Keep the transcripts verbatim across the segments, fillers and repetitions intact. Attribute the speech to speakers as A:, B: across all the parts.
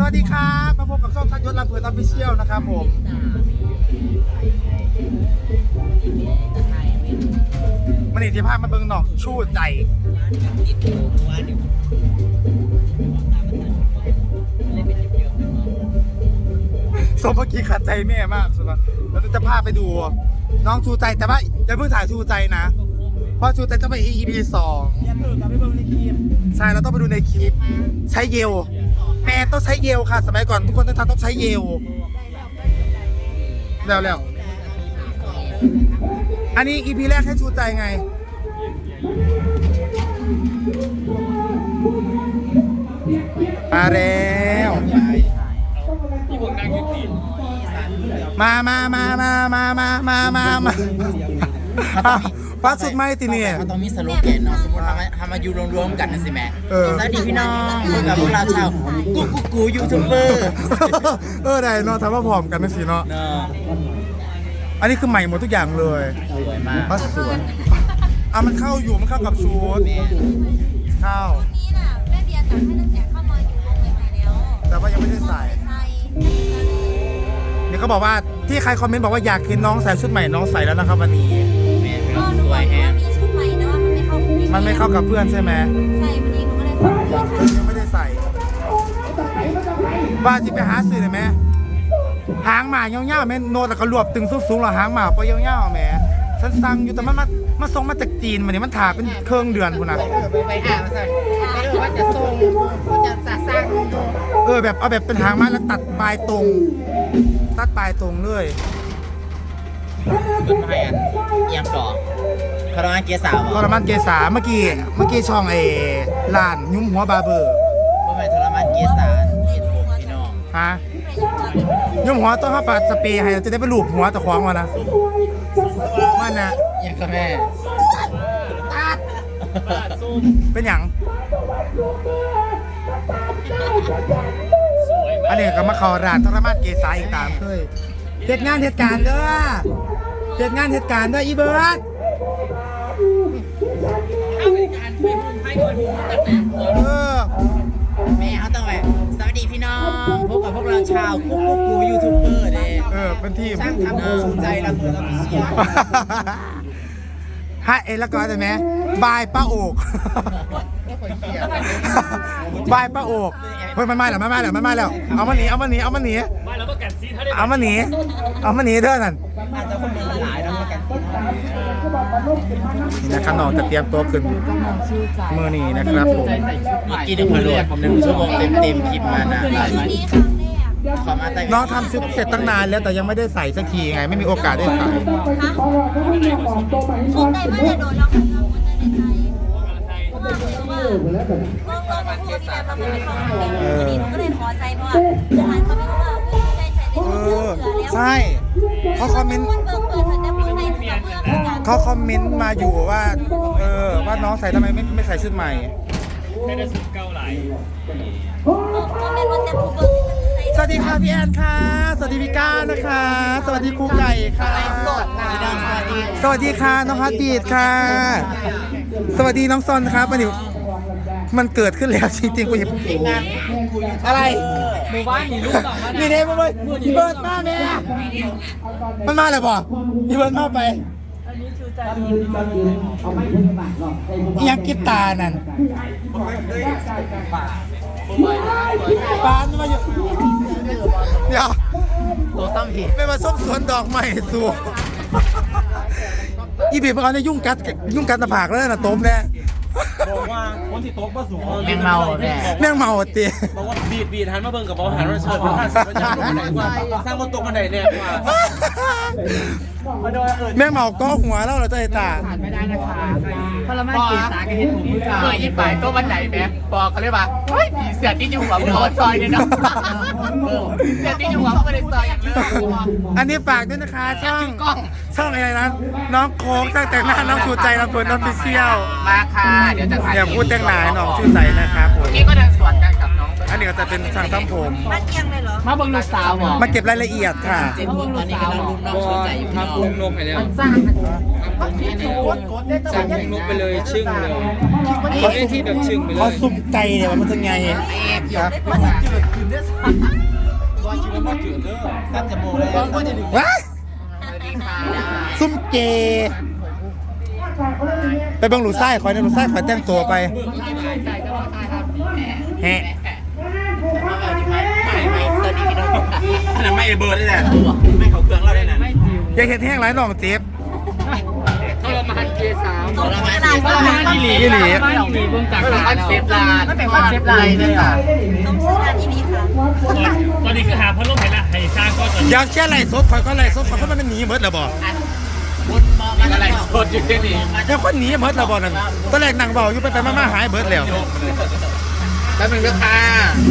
A: วัสดีครับมาพบกับช่องทัศยศลำเพลินออฟฟิเชียลนะครับผมมันอิทธิภาพมาเบิ่งหนองชู้ใจสมเมื่อกี้ขัดใจแม่มากสุดแล้วเราจะพาไปดูน้องชูใจแต่ว่าอย่าเพิ่งถ่ายชูใจนะเพราะชูใจต้องไป อี พี สองใช่เราต้องไปดูในคลิปใช้เยลแม่ต้องใช้เยลค่ะสมัยก่อนทุกคนต้องทำต้องใช้เยลแล้วแล้วอันนี้ อี พี แรกให้ชูใจไงมาแล้วมามามามามามามามามาป้าสุดไม่ติเนี่ย
B: เขาต้องมีสโลแกนเนาะสมมติทำมาทำมาอยู่รวมๆกันนะสิแม่สวัสดีพี่น้องพบกับพวกเราชาวกูกูกูยูทูบเบอร์
A: เออได้เนาะทำว่าผอมกันนะสิเนาะอันนี้คือใหม่หมดทุกอย่างเลย
B: สวยมาก
A: ป้าสวยอ่ะมันเข้าอยู่มันเข้ากับชุดเข้า
C: นี่น่ะแม่เบียร์จัดให้ตั้งแต่เข้ามาอยู่วงใหม่แล้ว
A: แต่ว่ายังไม่ได้ใส่เนี่ยเขาบอกว่าที่ใครคอมเมนต์บอกว่าอยากเห็นน้องใส่ชุดใหม่น้องใส่แล้วนะครับวันนี้
C: ก็หนูบอกว่ามีชุดใหม่แต่ว่ามันไม่เข้า
A: มันไม่เข้ากับเพื่อนใช่ไหม
C: ใช่วันนี้หนูก็เลยขอ
A: ยังไม่ได้ใส่ว่าจะไปหาซื้อเลยไหมหางหมาเงี้ยวๆแม่โนดแล้วก็รวบตึงสูงๆหรอหางหมาปะเงี้ยวๆแม่ฉันสั่งอยู่แต่มันมามาส่งมาจากจีนมาเนี่ยมันถ่าเป็นเครื่องเดือนคุณนะ
B: ไปหามาสั่งไม่รู้ว่าจะส่งจะจะสร้าง
A: เออแบบเอาแบบเป็นหางมาแล้วตัดปลายตรงตัดปลายตรงเลย
B: เป็นไงอ่ะเยี่ยมต่อคารมันเกษา
A: ทรมานเกษาเมื่อกี้เมื่อกี้ช่องเอร้านยุ้มหัวบาร์เบอร์
B: ว่าไปทรมานเกษาเห็นผมพี่น้อง
A: ฮะยุ้มหัวต้องห้าปาสเปรย์ให้จะได้ไปลูบหัวตะควงมานะมันนะ
B: อย่างกับแม่
A: เป็นอย่างอันนี้ก็มาขอร้านทรมานเกษาอีกตามเคยเหตุงานเหตุการณ์เด้อเหตุงานเหตุการณ์เด้ออีเบิร์ดเออ
B: แม่เขาต้องแบบสวัสดีพี่น้องพบกับพวกเราชาวกุ๊กกุ๊กกูยูทูบเบอร์เลย
A: เออเป็นทีม
B: สร้างทำภูมิใจเราเพื่อเราเชียร์
A: ให้เอ็นแล้วก็ได้ไหมบายป้าโอกบายป้าโอกเฮ้ยมันมาแล้วมันมาแล้วมันมาแล้วเอามาหนีเอามาหนีเอามาหนีเอามาหนีเอามาหนีเด้อนั่นนะครับน้องจะเตรียมตัวขึ้นมือนี้นะครับผม
B: มีกี่ชั่วโมงหนึ่งชั่วโมงเต็มเต็มคลิปมานะ
A: น้องทำชุดเสร็จตั้งนานแล้วแต่ยังไม่ได้ใส่สักทีไงไม่มีโอกาสได้ใส่
C: ชุดได้มาแต่โดนเราทำเราคนได้ในใจเพราะว่าเพราะว่าลองลองมาพูดที่แบบเราไม่เข้าใจวันนี้หนูก็เลยขอใจเพราะว่าทหารเขาไม่รู้ว่าใจใส่ในชุดเสือแล้ว
A: ใช่เขาคอมเมนต์เขาคอมเมนต์มาอยู่ว่าเออว่าน้องใส่ทำไมไม่ไม่ใส่ชุดใหม่
D: ไม่ได้ชุดเก้าไหล
A: สวัสดีค่ะพี่แอนค่ะสวัสดีพี่ก้านะคะสวัสดีครูไก่ค่ะสวัสดีค่ะน้องฮัตบีดค่ะสวัสดีน้องซอนครับวันนี้มันเกิดขึ้นแล้วจริงๆกูหยิบอะไร
B: หมู่บ้านมีลูกสองมา
A: นี่เด้มาเลยอีเบิร์ดมาแม่มันมาเลยป่ะอีเบิร์ดมาไปยังกิบตานั่นปานมาอยู่เดี๋ยว
B: ตัวซ้ำผิด
A: ไม่มาส้มสวนดอกไม้สูอีบีบมันจะยุ่งกัดยุ่งกัดตะผากแล้วนะต้มแน่
D: บอกว่าคนที่โต๊ะก็สูง
B: แม่งเมาแน่
A: แม่งเมาตี
D: บอกว่าบีดบีดหันมาเบิ่งกับบอกหันมาเชิญมาสร้างรถตกบันไดกว่าสร้างรถตกบันไดเนี่ยกว่า
A: แม่งเมาก็หัวแล้วเราจะเห็นตา
B: ไม่ได้นะคะพอละไม่กินสาก็เห็นผมมือจ่าเมื่อยินไปโต๊ะบันไดแม่บอกเขาเลยว่าเฮ้ยผีเสียที่อยู่หัวมึงเอาซอยเนี่ยนะเสียที่อยู่หัวมึงไม่ได้ซอยอย่างนี้
A: อันนี้ฝากด้วยนะคะช่องช่องอะไรนะน้องโค้งตั้งแต่หน้าน้องชูใจเราเปิดน้องพิเชียล
B: มาค่ะเดี๋ยวจะ
A: เดี๋ยวพูดแต่งหลายน้องชูใจนะครับผม
B: นี่ก็เดินสวนกันกับน้อง
A: อันนี้ก็จะเป็นช่างทำผม
C: มาเกียงเลยเหรอ
B: มาบังลูกสาวหรอ
A: มาเก็บรายละเอียดค่ะ
B: จริงๆตอนนี้กำลังรุมน้องชูใจอยู่
D: ทำรุมลงไปแล้ว
B: สร้าง
D: สั่งเพลงนุ๊กไปเลยชึ่งเลยเขาเล่นที่แบบชึ่งไปเล
A: เขา
D: ย
A: ซุ่มไก่เนี่ยมันจะไงครับ
B: มันจะจืดขึ้นด้วยซ้ำ
D: ว่าคิดว่ามาจืดเด้อ
B: สัตว์จมูกเลยก็จะดึง
A: ว้าย
B: สวัสดีค่ะ
A: ซุ่มเกย์ไปเบังหลูไส้คอยนะหลูไส้คอยแต่งตัวไปแฮะ
B: ไม่ไม่สวัสดีพี่น้อง
D: อันนั้นไม่เอเบิร์ดได้แหละไม่เขาเครื่องเราได้น่ะ
A: อย่าเห็นแห้งไรน้องเจ็บ
B: ทรมานเกสาม
C: สมชื่อร้าน
B: ทรมานอีหลี
A: อีหลี
B: มีเบื้องจากคอนเซปต์ลานไม่เป็นคอนเซปต์ลายเลยอ่ะ
C: สมชื่อร้านอีนี้ค่ะ
E: ตอนนี้คือหาพัดลมเห็นละให้สร้างก็ตอน
A: อยากเชื่อไรซดคอยก็ไรซดคอยก็มันหนีเมิดแล้วบ่
B: คุณมองอะไรสดอยู่ที่นี่
A: แล้วคนหนีเมิดแล้วบ่นั่นตอนแรกนั่งเบาอยู่ไปไปมาๆหายเบิดแล้ว
B: แล้วมึงก็ค่ะ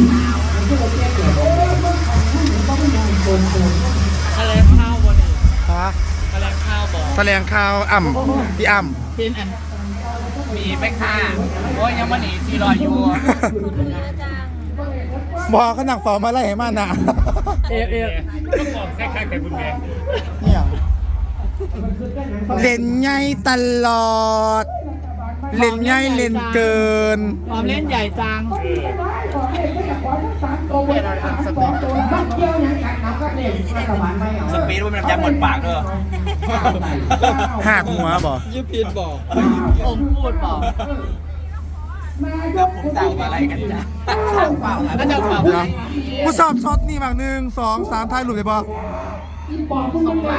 E: อะไรข้าวบน
A: ฮะ
E: อะไรข้าวบอก
A: แถลงข่าวอ่ำพี่อ่ำ
B: พินอันมีไหมค่ะโอ้ยยังมาหนีซีรอยอยู่
C: คุณเรือจัง
A: บอกเขานั่งเฝ้ามาไล่ให้มานะ
E: เอฟเอฟต้องบอกแค่ข้างแต่บุญแม่
A: เนี่ยเล่นใหญ่ตลอด เล่นใหญ่เล่นเกิน
E: ความเล่นใหญ่จัง
D: สปีดว่ามันยำหมดปากเด้อ
A: หักหัวบ่
D: ยี่พีนบอก
B: อมพูดบอกแล้วผมสั่งอะไรกันจ้ะสั่งเปล่าแล้วจะเปล่าไหม
A: กูสอบช็อตนี่บางหนึ่งสองสามท้ายหลุดเลยบ่
B: ส่งมา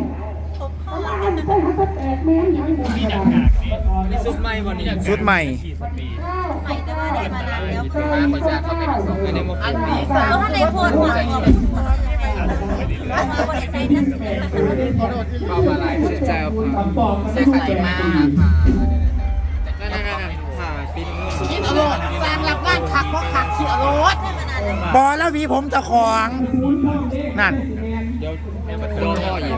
E: นี่ดังกากนี่
D: นี่ซุปไหมวันนี้
A: ชุดใหม่
E: ขี่สปี
C: ใหม่แต่ว่าได้มานานแล้วคือ
B: มาคนจะเข้าไปผสมกันในมุกอันนี้
C: สาวท่านในโพสต์มาบอกมาบริษัทนั่น
B: เปล่าอะไรเจ้าเซ็กใสมากค่ะนั่นนั่นนั่นผ่าฟินคิดอารมณ์สร้างรับงานคักเพราะคักคิดอารมณ์
C: ได้มานานแล้ว
A: บอแล้วหวีผมเจะของนั่น
D: โดนพ่ออีก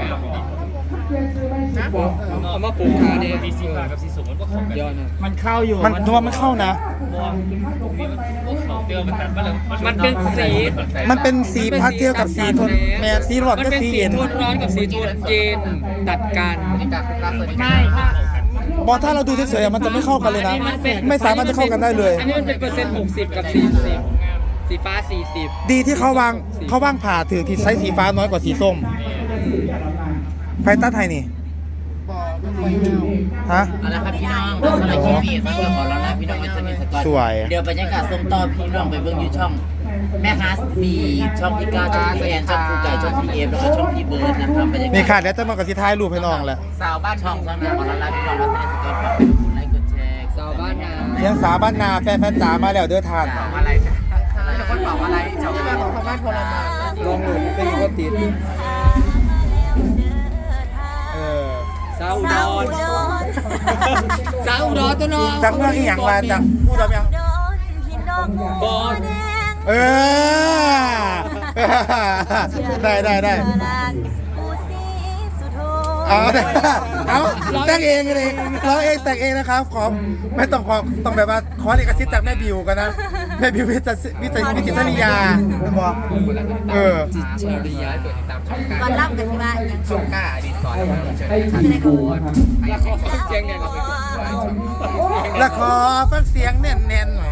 D: เอามาปลูกขาเนี่ย
E: มีสีฟ้ากับสีสูงมันก็เข้ากัน
D: ยอดนะ
E: มันเข้าอยู่
A: มันนัวมันเข้านะ
E: เดียวมันตัดมาแล้ว
D: มันเป็นสี
A: มันเป็นสีพาสเทลกับสีโทนแมสสีหลอด
D: มัน
A: ก็
D: เป็น
A: สี
D: สี
A: เย็น
D: โทนร้อนกับสีโทนเย็นตัดกัน
E: ไม่ค่ะ
A: บอถ้าเราดูเฉยๆอะมันจะไม่เข้ากันเลยนะ ไม่สามารถจะเข้ากันได้เลย
D: อันนี้มันเป็นเปอร์เซ็นต์หกสิบกับสี่สิบสีฟ้าสี่สิบ
A: ดีที่เขาวางเขาวางผ่าถือที่ใช้สีฟ้าน้อยกว่าสีส้มไพต้าไทยนี่ฮะ
B: เอาละครับพี่น้องสำหรับคลิปนี้ต้องขอร้องนะพี่น้องเป็นสนิทสกอต
A: สวย
B: เดี๋ยวบรรยากาศส่งต่อพี่น้องไปเบิ่งอยู่ช่องแม่ฮัสมีช่องที่เก้าช่องที่แอนช่องครูไก่ช่องที่เอฟแล้วก็ช่องที่เบิร์ดนะครับบรรยากาศ
A: นี่ค่ะเดี๋ยวจะมากับสีท้ายรูปให้น้องแหละ
B: สาวบ้านช่องสำหรับขอร้องนะพี่น้องว่าสนิทสกอตฝากกดไลค์กดแชร์
D: สาวบ้านนา
A: เลี้ยงสาบ้านนาแฟนแฟนจ๋ามาแล้วเด้อทาน
B: บอกอะไรจ้ะจะคนบอกอะไรเจ้าแม่ของบ้านพลเมือง
D: ลองหลุดเป็นก็ติด
A: เออ
D: สาวอุด
C: สาว
D: ร
C: โดน
D: สาวอุดรตัวน้อง
A: จากเมืองอีหยังมาจากพูดได้ยัง
C: โดนพี่น้องบัวแดง
A: เออ ได้ได้ได้
C: ปูสีสุโธ
A: เอาได้เอาแต่งเองเลยร้องเองแต่งเองนะครับขอไม่ต้องขอต้องแบบว่าขอเอกสิทธิ์จากแม่บิวกันนะแม่บิววิจิตรวิจิตรวิจิตรนิยาบอกเออ
D: ชาริยาตัวติดตามช่อง
C: ก่อนรับกันสิว่าอย่าง
B: ช่องกล้าดีสอนเชิญ
C: จะได้ขบวน
D: แล้วขอฟังเสียงเนี่ยเราไปกดไลค์ช่อง
A: แล้วขอฟังเสียงแน่นๆหน่อย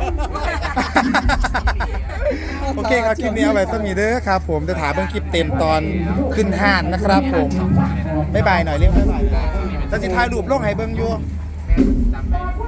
A: โอเคครับคลิปนี้เอาไว้สมีเด้อครับผมจะถามเบิ่งคลิปเต็มตอนขึ้นห้านนะครับผมบ๊ายบายหน่อยเรียกบ๊ายบายแล้วจะถ่ายรูปลงให้เบิ่งอยู่